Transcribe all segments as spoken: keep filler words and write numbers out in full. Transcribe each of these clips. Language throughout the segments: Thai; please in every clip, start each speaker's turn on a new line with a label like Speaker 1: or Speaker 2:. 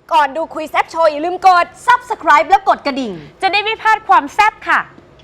Speaker 1: ก่อนดูคุยแซบโชว์อย่าลืมกด ซับสไครบ์ แล้วกดกระดิ่ง
Speaker 2: จะได้ไม่พลาดความแซ่บค่ะ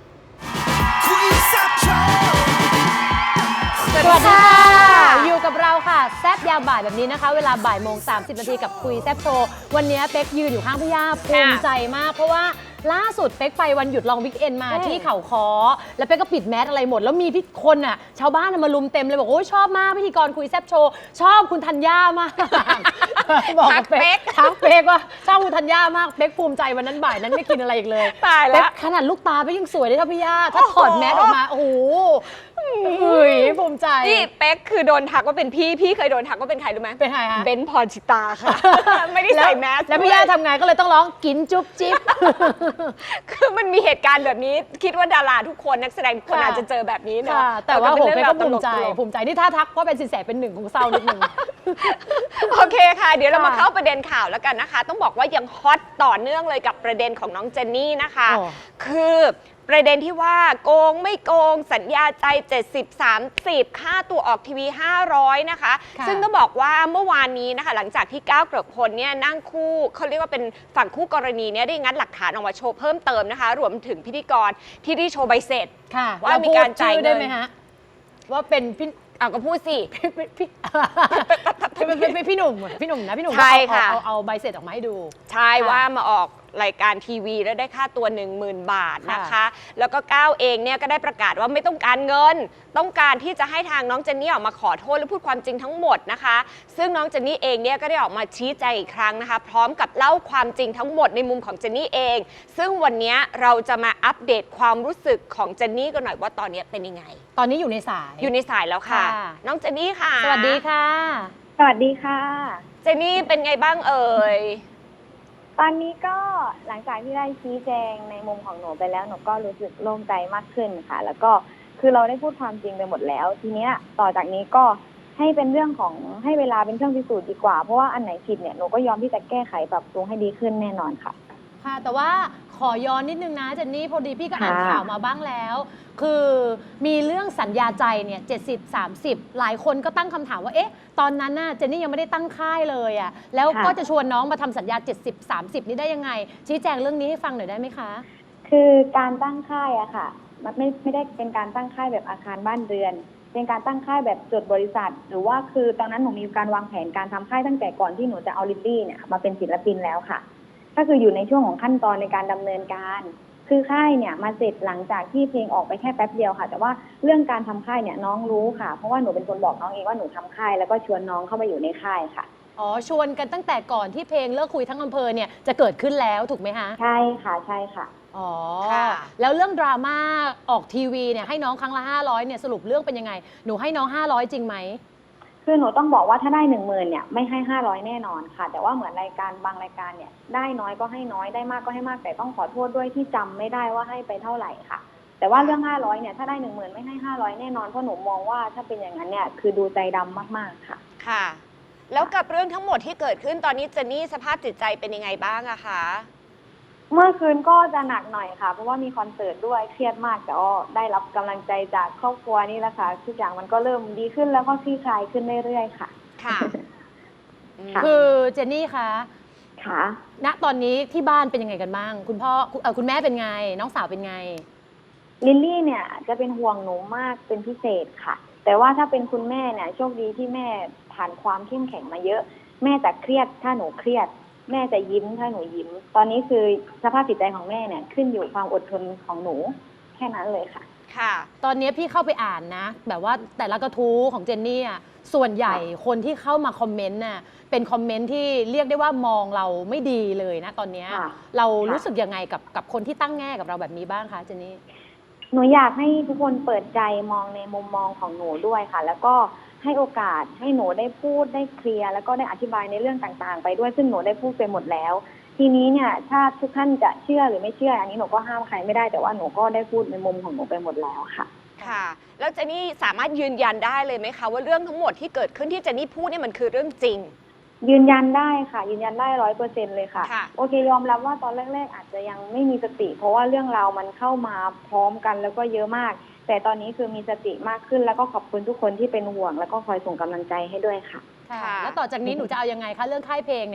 Speaker 3: สวัสดีค่ะอยู่กับเราค่ะแซบยามบ่ายแบบนี้นะคะเวลาบ่ายโมงสามสิบนาทีกับคุยแซบโชว์วันนี้เป๊กยืนอยู่ข้างพี่ย่าภูมิใจมากเพราะว่าล่าสุดเป๊กไปวันหยุดลองวิกเอนมาที่เขาค้อแล้วเป๊กก็ปิดแมสอะไรหมดแล้วมีพี่คนอ่ะชาวบ้านมาลุมเต็มเลยบอกโอ้ยชอบมากพิธีกรคุยแซบโชว์ชอบคุณธัญญามากบอกกับเป๊กทักเป๊กว่าชอบคุณธัญญามากเป๊กภูมิใจวันนั้นบ่ายนั้นไม่กินอะไรอีกเลย
Speaker 2: ตายแล้ว
Speaker 3: ขนาดลูกตาเป๊กยังสวยได้เท่าพี่ย่าถ้าถอดแมสออกมาโอ้โหเฮ้ยภูมิใจ
Speaker 2: นี่เป๊กคือโดนทักว่าเป็นพี่พี่เคยโดนทักว่าเป็นใครรู้ไหม
Speaker 3: เป็นใครคะ
Speaker 2: เบนพรชิตาค่ะไม่ได้ใส่แมส
Speaker 3: แล้วพี่ย่าทำไงก็เลยต้องร้องกินจุ๊บจิ๊บ
Speaker 2: คือมันมีเหตุการณ์แบบนี้คิดว่าดาราทุกคนนักแสดงทุกคนอาจจะเจอแบบนี้เนาะ
Speaker 3: แต่ว่าโหเป๊กก็ภูมิใจภูมิใจที่ถ้าทักว่าเป็นสินแสเป็นหนึ่งของเศร้านิดนึง
Speaker 2: โอเคค่ะเดี๋ยวเรามาเข้าประเด็นข่าวแล้วกันนะคะต้องบอกว่ายังฮอตต่อเนื่องเลยกับประเด็นของน้องเจนนี่นะคะคือประเด็นที่ว่าโกงไม่โกงสัญญาใจเจ็ดสิบ สามสิบค่าตัวออกทีวีห้าร้อยนะคะซึ่งต้องบอกว่าเมื่อวานนี้นะคะหลังจากที่ก้าวเกริกพลเนี่ยนั่งคู่เขาเรียกว่าเป็นฝั่งคู่กรณีเนี่ยได้งัดหลักฐานออกมาโชว์เพิ่มเติมนะคะรวมถึงพิธีกรที่ได้โชว์ใบเสร็จว่ามีการจ่ายเงิน
Speaker 3: ว่าเป็นพี่
Speaker 2: อ่ะก็พูดสิ
Speaker 3: พี่เป็นพี่หนุ่มพี่หนุ่มนะพี่หนุ่ม
Speaker 2: ใช่ค่ะ
Speaker 3: เอาเอาใบเสร็จออกมาให้ดู
Speaker 2: ใช่ว่ามาออกรายการทีวีแล้วได้ค่าตัว หนึ่งหมื่น บาทนะคะแล้วก็ก้าวเองเนี่ยก็ได้ประกาศว่าไม่ต้องการเงินต้องการที่จะให้ทางน้องเจนนี่ออกมาขอโทษและพูดความจริงทั้งหมดนะคะซึ่งน้องเจนนี่เองเนี่ยก็ได้ออกมาชี้แจงอีกครั้งนะคะพร้อมกับเล่าความจริงทั้งหมดในมุมของเจนนี่เองซึ่งวันนี้เราจะมาอัปเดตความรู้สึกของเจนนี่กันหน่อยว่าตอนนี้เป็นยังไง
Speaker 3: ตอนนี้อยู่ในสาย
Speaker 2: อยู่ในสายแล้วค่ะน้องเจนนี่ค่ะ
Speaker 3: สวัสดีค่ะ
Speaker 4: สวัสดีค่ะ
Speaker 2: เจนนี่เป็นไงบ้างเอ่ย
Speaker 4: ตอนนี้ก็หลังจากที่ได้ชี้แจงในมุมของหนูไปแล้วหนูก็รู้สึกโล่งใจมากขึ้นค่ะแล้วก็คือเราได้พูดความจริงไปหมดแล้วทีเนี้ยต่อจากนี้ก็ให้เป็นเรื่องของให้เวลาเป็นเครื่องพิสูจน์ดีกว่าเพราะว่าอันไหนผิดเนี่ยหนูก็ยอมที่จะแก้ไขปรับปรุงให้ดีขึ้นแน่นอนค่ะ
Speaker 3: ค่ะแต่ว่าขอย้อนนิดนึงนะเจนนี่พอดีพี่ก็อ่านข่าวมาบ้างแล้วคือมีเรื่องสัญญาใจเนี่ยเจ็ดสิบ สามสิบหลายคนก็ตั้งคำถามว่าเอ๊ะตอนนั้นน่ะเจนนี่ยังไม่ได้ตั้งค่ายเลยอ่ะแล้วก็จะชวนน้องมาทำสัญญาเจ็ดสิบ สามสิบนี่ได้ยังไงชี้แจงเรื่องนี้ให้ฟังหน่อยได้ไหมคะ
Speaker 4: คือการตั้งค่ายอะค่ะมันไม่ไม่ได้เป็นการตั้งค่ายแบบอาคารบ้านเรือนเป็นการตั้งค่ายแบบจดบริษัทหรือว่าคือตอนนั้นหนูมีการวางแผนการทำค่ายตั้งแต่ก่อนที่หนูจะเอาลิลลี่เนี่ยมาเป็นศิลปินแล้วค่ะก็คืออยู่ในช่วงของขั้นตอนในการดำเนินการคือค่ายเนี่ยมาเสร็จหลังจากที่เพลงออกไปแค่แป๊บเดียวค่ะแต่ว่าเรื่องการทำค่ายเนี่ยน้องรู้ค่ะเพราะว่าหนูเป็นคนบอกน้องเองว่าหนูทำค่ายแล้วก็ชวนน้องเข้ามาอยู่ในค่ายค่ะ
Speaker 3: อ๋อชวนกันตั้งแต่ก่อนที่เพลงเลิกคุยทั้งอำเภอเนี่ยจะเกิดขึ้นแล้วถูกไหมคะ
Speaker 4: ใช่ค่ะใช่ค่ะ
Speaker 3: อ๋อแล้วเรื่องดราม่าออกทีวีเนี่ยให้น้องครั้งละห้าร้อยเนี่ยสรุปเรื่องเป็นยังไงหนูให้น้องห้าร้อยจริงไหม
Speaker 4: คือหนูต้องบอกว่าถ้าได้หนึ่งหมื่นเนี่ยไม่ให้ห้าร้อยแน่นอนค่ะแต่ว่าเหมือนรายการบางรายการเนี่ยได้น้อยก็ให้น้อยได้มากก็ให้มากแต่ต้องขอโทษด้วยที่จำไม่ได้ว่าให้ไปเท่าไหร่ค่ะแต่ว่าเรื่องห้าร้อยเนี่ยถ้าได้หนึ่งหมื่นไม่ให้ห้าร้อยแน่นอนเพราะหนูมองว่าถ้าเป็นอย่างนั้นเนี่ยคือดูใจดำมากๆค่ะ
Speaker 2: ค่ะแล้วกับเรื่องทั้งหมดที่เกิดขึ้นตอนนี้เจนนี่สภาพจิตใจเป็นยังไงบ้างอะคะ
Speaker 4: เมื่อคืนก็จะหนักหน่อยค่ะเพราะว่ามีคอนเสิร์ตด้วยเครียดมากแต่ก็ได้รับกำลังใจจากครอบครัวนี่แหละค่ะทุกอย่างมันก็เริ่มดีขึ้นแล้วก็คลี่คลายขึ้นเรื่อยๆค่ะ
Speaker 2: ค่ะ
Speaker 3: คือเจนนี่คะ
Speaker 4: ค่ะ
Speaker 3: ณตอนนี้ที่บ้านเป็นยังไงกันบ้างคุณพ่อเออคุณแม่เป็นไงน้องสาวเป็นไง
Speaker 4: ลิลลี่เนี่ยจะเป็นห่วงหนูมากเป็นพิเศษค่ะแต่ว่าถ้าเป็นคุณแม่เนี่ยโชคดีที่แม่ผ่านความเข้มแข็งมาเยอะแม่จะเครียดถ้าหนูเครียดแม่จะยิ้มถ้าหนูยิ้มตอนนี้คือสภาพจิตใจของแม่เนี่ยขึ้นอยู่ความอดทนของหนูแค่นั้นเลยค่ะ
Speaker 3: ค่ะตอนนี้พี่เข้าไปอ่านนะแบบว่าแต่ละกระทู้ของเจนนี่อ่ะส่วนใหญ่คนที่เข้ามาคอมเมนต์น่ะเป็นคอมเมนต์ที่เรียกได้ว่ามองเราไม่ดีเลยนะตอนนี้เรารู้สึกยังไงกับกับคนที่ตั้งแง่กับเราแบบนี้บ้างคะเจนนี่
Speaker 4: หนูอยากให้ทุกคนเปิดใจมองในมุมมองของหนูด้วยค่ะแล้วก็ให้โอกาสให้หนูได้พูดได้เคลียร์แล้วก็ได้อธิบายในเรื่องต่างๆไปด้วยซึ่งหนูได้พูดไปหมดแล้วทีนี้เนี่ยถ้าทุกท่านจะเชื่อหรือไม่เชื่ออันนี้หนูก็ห้ามใครไม่ได้แต่ว่าหนูก็ได้พูดในมุมของหนูไปหมดแล้วค่ะ
Speaker 2: ค่ะแล้วเจนนี่สามารถยืนยันได้เลยไหมคะว่าเรื่องทั้งหมดที่เกิดขึ้นที่เจนนี่พูดเนี่ยมันคือเรื่องจริง
Speaker 4: ยืนยันได้ค่ะยืนยันได้ร้อยเปอร์เซ็นต์เลยค่ะโอเคยอมรับว่าตอนแรกๆอาจจะยังไม่มีสติเพราะว่าเรื่องราวมันเข้ามาพร้อมกันแล้วก็เยอะมากแต่ตอนนี้คือมีสติมากขึ้นแล้วก็ขอบคุณทุกคนที่เป็นห่วงแล้วก็คอยส่งกำลังใจให้ด้วยค่ะ
Speaker 3: ค่ะแล้วต่อจากนี้หนูจะเอายังไงคะเรื่องค่ายเพลงเนี่ย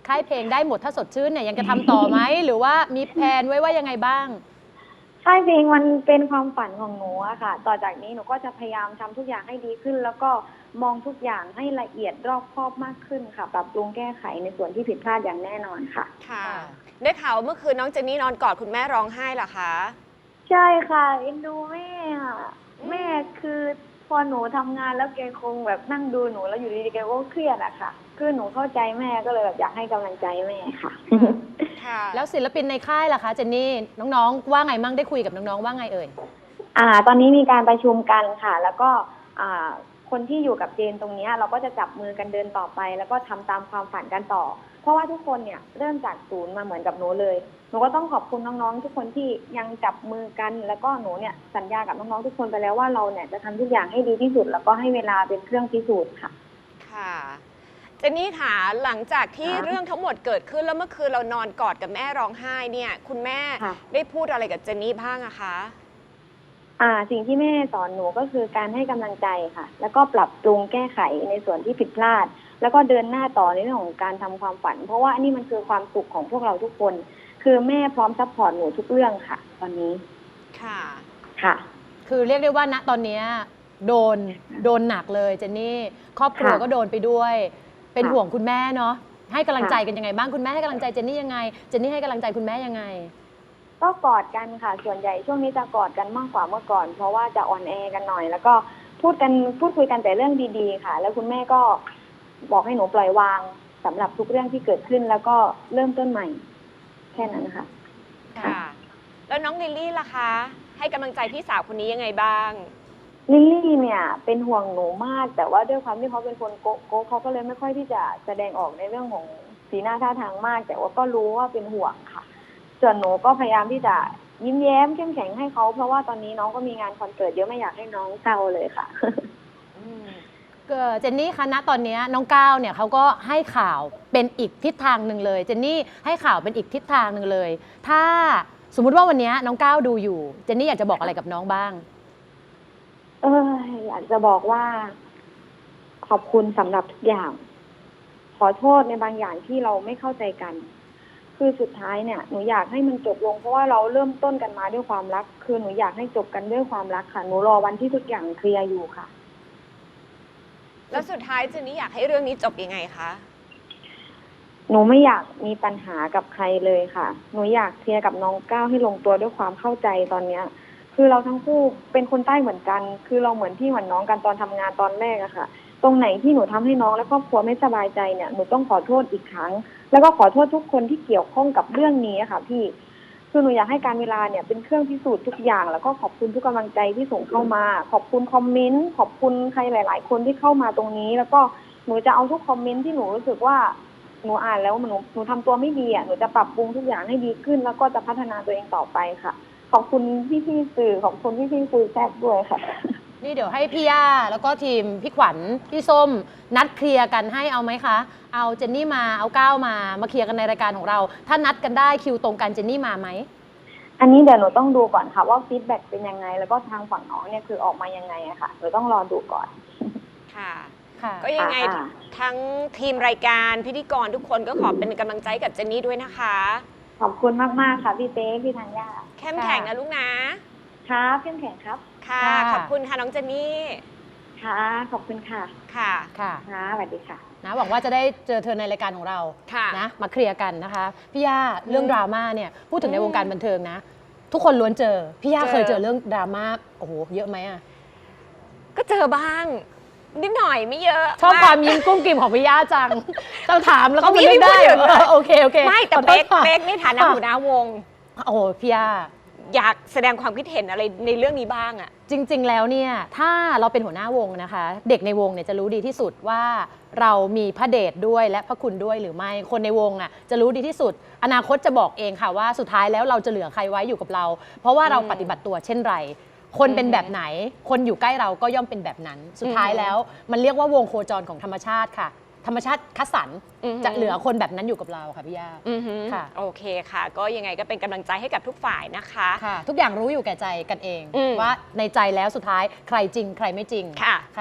Speaker 3: ค่ายเพลงได้หมดถ้าสดชื่นเนี่ยยังจะทำต่อไหม หรือว่ามีแผนไว้ว่ายังไงบ้าง
Speaker 4: ค่ายเพลงมันเป็นความฝันของหนูอะค่ะ ต่อจากนี้หนูก็จะพยายามทำทุกอย่างให้ดีขึ้น แล้วก็มองทุกอย่างให้ละเอียดรอบคอบมากขึ้นค่ะ ปรับปรุงแก้ไขในส่วนที่ผิดพลาดอย่างแน่นอนค่ะ
Speaker 2: ค่ะ
Speaker 3: ค่ะ
Speaker 2: ได้ข่าวว่าเมื่อคืนน้องเจนนี่นอนกอดคุณแม่ร้องไห้เหรอคะ
Speaker 4: ใช่ค่ะเอ็นดูแม่อะแม่คือพอหนูทำงานแล้วแกคงแบบนั่งดูหนูแล้วอยู่ดีๆแกก็เครียดอะค่ะ คือหนูเข้าใจแม่ก็เลยแบบอยากให้กำลังใจแม่ค่ะ
Speaker 2: ค่ะ
Speaker 3: แล้วศิลปินในค่ายล่ะคะเจนนี่น้องๆว่าไงมั่งได้คุยกับน้องๆว่าไงเอ่ย
Speaker 4: อ่า ตอนนี้มีการประชุมกันค่ะ แล้วก็อ่าคนที่อยู่กับเจนตรงเนี้ยเราก็จะจับมือกันเดินต่อไป แล้วก็ทำตามความฝันกันต่อ เพราะว่าทุกคนเนี่ยเริ่มจากศูนย์มาเหมือนกับหนูเลยหนูก็ต้องขอบคุณน้องๆทุกคนที่ยังจับมือกัน แล้วก็หนูเนี่ยสัญญากับน้องๆทุกคนไปแล้วว่าเราเนี่ยจะทำทุกอย่างให้ดีที่สุด แล้วก็ให้เวลาเป็นเครื่องพิสูจน์ค่ะ
Speaker 2: ค่ะ เจนนี่ค่ะหลังจากที่
Speaker 4: ค่ะ
Speaker 2: เรื่องทั้งหมดเกิดขึ้นแล้วเมื่อคืนเรานอนกอดกับแม่ร้องไห้เนี่ย คุณแม่
Speaker 4: ค่ะ
Speaker 2: ได้พูดอะไรกับเจนนี่บ้างอะคะ
Speaker 4: อ่าสิ่งที่แม่สอนหนูก็คือการให้กำลังใจค่ะ แล้วก็ปรับปรุงแก้ไขในส่วนที่ผิดพลาด แล้วก็เดินหน้าต่อในเรื่องของการทำความฝัน เพราะว่าอันนี้มันคือความสุขของพวกเราทุกคน คือแม่พร้อมซัพพอร์ตหนูทุกเรื่องค่ะ ตอนนี้
Speaker 2: ค่ะ
Speaker 4: ค่ะ
Speaker 3: คือเรียกได้ว่าณตอนเนี้ยโดนโดนหนักเลยเจนนี่ครอบครัว
Speaker 4: ค่ะ
Speaker 3: ก็โดนไปด้วย เป็น
Speaker 4: ค่ะ
Speaker 3: ห่วงคุณแม่เนาะให้กำลัง
Speaker 4: ค่ะ
Speaker 3: ใจกันยังไงบ้างคุณแม่ให้กำลังใจเจนนี่ยังไงเจนนี่ให้กำลังใจคุณแม่ยังไง
Speaker 4: ก็กอดกันค่ะ ส่วนใหญ่ช่วงนี้จะกอดกันมากกว่าเมื่อก่อน เพราะว่าจะอ่อนแอกันหน่อย แล้วก็พูดกันพูดคุยกันแต่เรื่องดีๆค่ะ แล้วคุณแม่ก็บอกให้หนูปล่อยวางสำหรับทุกเรื่องที่เกิดขึ้น แล้วก็เริ่มต้นใหม่ แค่นั้นค่ะ
Speaker 2: ค่ะ แล้วน้องลิลลี่ล่ะคะ ให้กำลังใจพี่สาวคนนี้ยังไงบ้าง
Speaker 4: ลิลลี่เนี่ยเป็นห่วงหนูมาก แต่ว่าด้วยความที่เขาเป็นคนโกโก้เขาก็เลยไม่ค่อยที่จะแสดงออกในเรื่องของสีหน้าท่าทางมาก แต่ว่าก็รู้ว่าเป็นห่วงค่ะ ส่วนหนูก็พยายามที่จะยิ้มแย้มเข้มแข็งให้เขาเพราะว่าตอนนี้น้องก็มีงานคอนเสิร์ตเยอะไม่อยากให้น้องเศร้าเลยค่ะ
Speaker 3: เอ่อเจนนี่คะณตอนเนี้ยน้องก้าวเนี่ยเขาก็ให้ข่าวเป็นอีกทิศทางหนึ่งเลยเจนนี่ให้ข่าวเป็นอีกทิศทางหนึ่งเลย ถ้าสมมุติว่าวันเนี้ยน้องก้าวดูอยู่เจนนี่อยากจะบอกอะไรกับน้องบ้าง
Speaker 4: เอออยากจะบอกว่า ขอบคุณสำหรับทุกอย่าง ขอโทษในบางอย่างที่เราไม่เข้าใจกัน คือสุดท้ายเนี่ยหนูอยากให้มันจบลงเพราะว่าเราเริ่มต้นกันมาด้วยความรัก คือหนูอยากให้จบกันด้วยความรักค่ะหนูรอวันที่ทุกอย่างเคลียร์อยู่ค่ะ
Speaker 2: แล้วสุดท้ายเจนนี่อยากให้เรื่องนี้จบยังไงคะ
Speaker 4: หนูไม่อยากมีปัญหากับใครเลยค่ะ หนูอยากเคลียร์กับน้องก้าวให้ลงตัวด้วยความเข้าใจตอนเนี้ย คือเราทั้งคู่เป็นคนใต้เหมือนกัน คือเราเหมือนพี่เหมือนน้องกันตอนทำงานตอนแรกอะค่ะ ตรงไหนที่หนูทำให้น้องและครอบครัวไม่สบายใจเนี่ย หนูต้องขอโทษอีกครั้ง แล้วก็ขอโทษทุกคนที่เกี่ยวข้องกับเรื่องนี้ค่ะพี่ คือหนูอยากให้การเวลาเนี่ยเป็นเครื่องพิสูจน์ทุกอย่าง แล้วก็ขอบคุณทุกกำลังใจที่ส่งเข้ามา ขอบคุณคอมเมนต์ ขอบคุณใครหลาย ๆ คนที่เข้ามาตรงนี้ แล้วก็หนูจะเอาทุกคอมเมนต์ที่หนูรู้สึกว่าหนูอ่านแล้วหนูหนูทำตัวไม่ดีอ่ะ หนูจะปรับปรุงทุกอย่างให้ดีขึ้น แล้วก็จะพัฒนาตัวเองต่อไปค่ะ ขอบคุณพี่ๆสื่อ ขอบคุณพี่ๆคุยแซ่บด้วยค่ะ
Speaker 3: นี่เดี๋ยวให้พี่ย่าแล้วก็ทีมพี่ขวัญพี่ส้มนัดเคลียร์กันให้เอาไหมคะ เอาเจนนี่มาเอาก้าวมามาเคลียร์กันในรายการของเรา ถ้านัดกันได้คิวตรงกันเจนนี่มาไหม
Speaker 4: อันนี้เดี๋ยวหนูต้องดูก่อนค่ะว่าฟีดแบ็กเป็นยังไง แล้วก็ทางฝั่งน้องเนี่ยคือออกมายังไงอะค่ะหนูต้องรอดูก่อน
Speaker 2: ค่ะ
Speaker 3: ค่ะ
Speaker 2: ก็ยังไง
Speaker 4: ค่ะ
Speaker 2: ทั้งทีมรายการพิธีกรทุกคนก็ขอเป็นกำลังใจกับเจนนี่ด้วยนะคะ
Speaker 4: ขอบคุณมากๆค่ะพี่เต้พี่ธัญญา
Speaker 2: เข้มแข็งนะลูกนะ
Speaker 4: ครับเข้มแข็งครับ
Speaker 2: ค่ะ ขอบคุณค่ะน้องเจนนี่
Speaker 4: ค่ะขอบคุณค่ะ
Speaker 2: ค่ะ
Speaker 3: ค่ะ
Speaker 4: ค่ะสวัสดีค่ะ
Speaker 3: นะหวังว่าจะได้เจอเธอในรายการของเรา
Speaker 2: ค่ะ
Speaker 3: นะมาเคลียร์กันนะคะพี่ย่าเรื่องดราม่าเนี่ยพูดถึงใน
Speaker 2: อืม
Speaker 3: วงการบันเทิงนะ ทุกคนล้วนเจอพี่ย่า
Speaker 2: เจอ
Speaker 3: เคยเจอเรื่องดราม่าโอ้โหเยอะไหมอะ
Speaker 2: ก็เจอบ้าง นิดหน่อยไม่เยอะ
Speaker 3: ชอบความ
Speaker 2: ก
Speaker 3: ยิ้มกุ้มกิ่มของพี่ย่าจังต้องถามแล้วก็
Speaker 2: เขามี
Speaker 3: ไม่ได้
Speaker 2: ให้พูดอยู่
Speaker 3: เออโอเคโอเค
Speaker 2: ไม่แต่
Speaker 3: ขอโท
Speaker 2: เป๊
Speaker 3: ษ
Speaker 2: ก
Speaker 3: ค่ะ
Speaker 2: เป๊กในฐานะ
Speaker 3: ค่ะ
Speaker 2: หัวหน้าวง
Speaker 3: โอ้โหพี่ย่า
Speaker 2: อยากแสดงความคิดเห็นอะไรในเรื่องนี้บ้างอะ
Speaker 3: จริง ๆ แล้วเนี่ยถ้าเราเป็นหัวหน้าวงนะคะ เด็กในวงเนี่ยจะรู้ดีที่สุดว่าเรามีพระเดชด้วยและพระคุณด้วยหรือไม่คนในวงอ่ะจะรู้ดีที่สุด อนาคตจะบอกเองค่ะว่าสุดท้ายแล้วเราจะเหลือใครไว้อยู่กับเรา เพราะว่าเรา
Speaker 2: อืม
Speaker 3: ปฏิบัติตัวเช่นไร คนเป็น
Speaker 2: อืม
Speaker 3: แบบไหน คนอยู่ใกล้เราก็ย่อมเป็นแบบนั้น สุดท้าย
Speaker 2: อืม
Speaker 3: แล้วมันเรียกว่าวงโคจรของธรรมชาติค่ะ ธรรมชาติคัดสรร
Speaker 2: อือหือ
Speaker 3: จะเหลือคนแบบนั้นอยู่กับเราค่ะพี่ย่า
Speaker 2: อือหือ
Speaker 3: ค่ะ
Speaker 2: โอเคค่ะ ก็ยังไงก็เป็นกำลังใจให้กับทุกฝ่ายนะคะ
Speaker 3: ค่ะ ทุกอย่างรู้อยู่แก่ใจกันเอง
Speaker 2: อืม
Speaker 3: ว่าในใจแล้วสุดท้ายใครจริงใครไม่จริง
Speaker 2: ค่ะ
Speaker 3: ค่ะ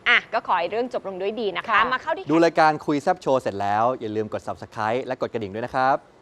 Speaker 2: อ่ะก็ขอให้เรื่องจบลงด้วยดีนะคะ
Speaker 3: ค่ะ
Speaker 2: มาเข้าที่
Speaker 5: ดูรายการคุยแซบโชว์เสร็จแล้ว อย่าลืมกด ซับสไครบ์ และกดกระดิ่งด้วยนะครับ